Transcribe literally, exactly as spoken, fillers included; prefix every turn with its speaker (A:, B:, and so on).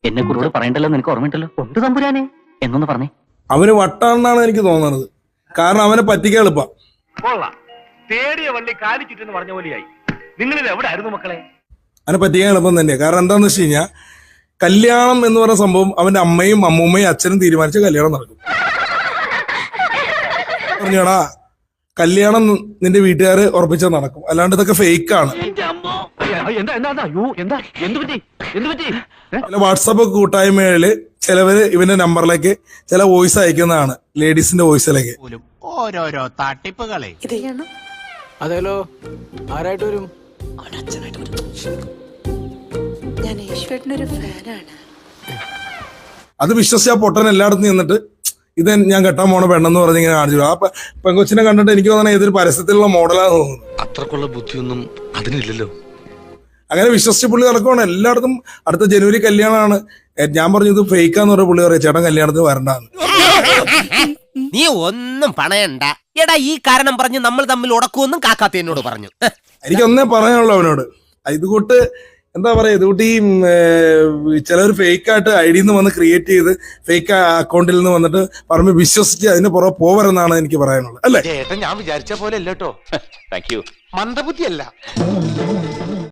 A: എന്നെ കുറിച്ച് പറയണ്ടല്ലോ നിനക്ക് ഓർമ്മയുണ്ടല്ലോ. ഉണ്ട് തമ്പുരാനെ എന്നൊന്ന് പറഞ്ഞേ.
B: അവന് വട്ടാണെന്നാണ് എനിക്ക് തോന്നുന്നത്. കാരണം അവനെ പറ്റിക്കാൻ എളുപ്പം.
C: തേടിയ വള്ളി കാലി ചുറ്റെന്ന് പറഞ്ഞ പോലെയായി. നിങ്ങളിത് എവിടെ ആയിരുന്നു മക്കളെ?
B: അവനെ പറ്റിക്കാൻ എളുപ്പം തന്നെയാണ്. കാരണം എന്താന്ന് വെച്ച് കഴിഞ്ഞാൽ കല്യാണം എന്ന് പറയുന്ന സംഭവം അവന്റെ അമ്മയും അമ്മൂമ്മയും അച്ഛനും തീരുമാനിച്ച കല്യാണം നടക്കും. പറഞ്ഞാടാ കല്യാണം നിന്റെ വീട്ടുകാര് ഉറപ്പിച്ചാൽ നടക്കും, അല്ലാണ്ട് ഇതൊക്കെ ഫേക്കാണ്. ചില വാട്സാപ്പ് കൂട്ടായ്മകളില് ചിലവര് ഇവന്റെ നമ്പറിലേക്ക് ചില വോയിസ് അയക്കുന്നതാണ്, ലേഡീസിന്റെ വോയിസിലേക്ക്.
D: ഓരോരോ തട്ടിപ്പുകളെ.
E: അതെല്ലോ ആരായിട്ട് വരും?
F: ഞാൻ ഈശ്വരനൊരു ഫാനാണ്.
B: അത് വിശ്വസിച്ച് ആ പൊട്ടൻ എല്ലായിടത്തും നിന്നിട്ട് ഇത് ഞാൻ കെട്ടാൻ പോണ പെണ്ണെന്ന് പറഞ്ഞ് ഇങ്ങനെ കാണിച്ചു. ആ പെങ്കൊച്ചിനെ കണ്ടിട്ട് എനിക്ക് തോന്നണ ഏതൊരു പരസ്യത്തിലുള്ള മോഡലാന്ന് തോന്നുന്നു.
G: അത്രക്കുള്ള ബുദ്ധിയൊന്നും അതിനില്ലല്ലോ.
B: അങ്ങനെ വിശ്വസിച്ച് പുള്ളി നടക്കുവാണ് എല്ലായിടത്തും. അടുത്ത ജനുവരി കല്യാണമാണ്. ഞാൻ പറഞ്ഞു ഇത് ഫേക്കാന്ന് പറഞ്ഞ പുള്ളി പറയാം ചേട്ടൻ കല്യാണത്തിന് വരണ്ടാന്ന്.
D: നീ ഒന്നും പണയണ്ട എടാ, ഈ കാരണം പറഞ്ഞ് നമ്മൾ തമ്മിൽ ഉടക്കുമെന്നും കാക്കാത്ത എന്നോട് പറഞ്ഞു.
B: എനിക്കൊന്നേ പറയാനുള്ളൂ അവനോട്, ഇത് കൂട്ട് എന്താ പറയാ, ഇത് കൂട്ടി ചിലർ ഫേക്കായിട്ട് ഐ ഡിന്ന് വന്ന് ക്രിയേറ്റ് ചെയ്ത് ഫേക്ക് അക്കൗണ്ടിൽ നിന്ന് വന്നിട്ട് പറഞ്ഞ് വിശ്വസിച്ച് അതിന് പുറകെ പോവരെന്നാണ് എനിക്ക് പറയാനുള്ളത്. അല്ലേ?
G: ഞാൻ വിചാരിച്ച പോലെ അല്ല കേട്ടോ. Thank you. മന്ദബുദ്ധിയല്ല.